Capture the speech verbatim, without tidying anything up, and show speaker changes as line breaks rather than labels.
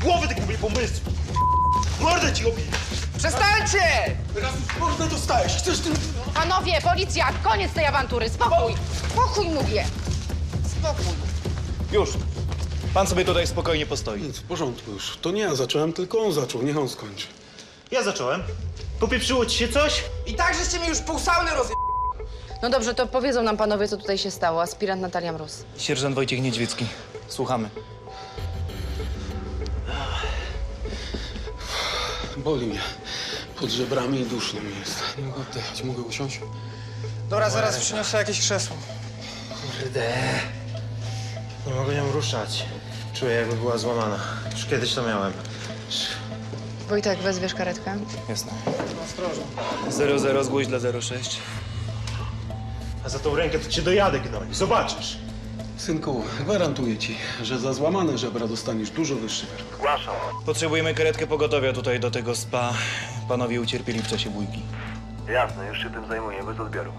głowy tych mówię pomysłów! Mordę ci obiję!
Przestańcie!
Teraz już mordę dostałeś, chcesz tym...
Panowie, policja, koniec tej awantury, spokój! Spokój mówię! Spokój.
Już. Pan sobie tutaj spokojnie postoi.
Nic, w porządku już. To nie ja zacząłem, tylko on zaczął. Niech on skończy.
Ja zacząłem. Popieprzyło ci się coś?
I tak żeście mi już pół sauny rozje...
No dobrze, to powiedzą nam panowie, co tutaj się stało. Aspirant Natalia Mróz.
Sierżant Wojciech Niedźwiecki. Słuchamy.
Boli mnie. Pod żebrami i duszno mi jest. Nie mogę oddychać. Mogę usiąść?
Dobra, zaraz przyniosę jakieś krzesło.
Kurde. Nie mogę nią ruszać. Czuję, jakby była złamana. Już kiedyś to miałem.
Wojtek, wezwiesz karetkę?
Jasne.
Ostrożnie.
zero zero zgłoś dla zero sześć.
A za tą rękę to cię dojadę, gnoj. Zobaczysz.
Synku, gwarantuję ci, że za złamane żebra dostaniesz dużo wyższy wyrok.
Potrzebujemy karetkę pogotowia tutaj do tego spa. Panowie ucierpieli w czasie bójki.
Jasne, już się tym zajmuję, bez odbioru.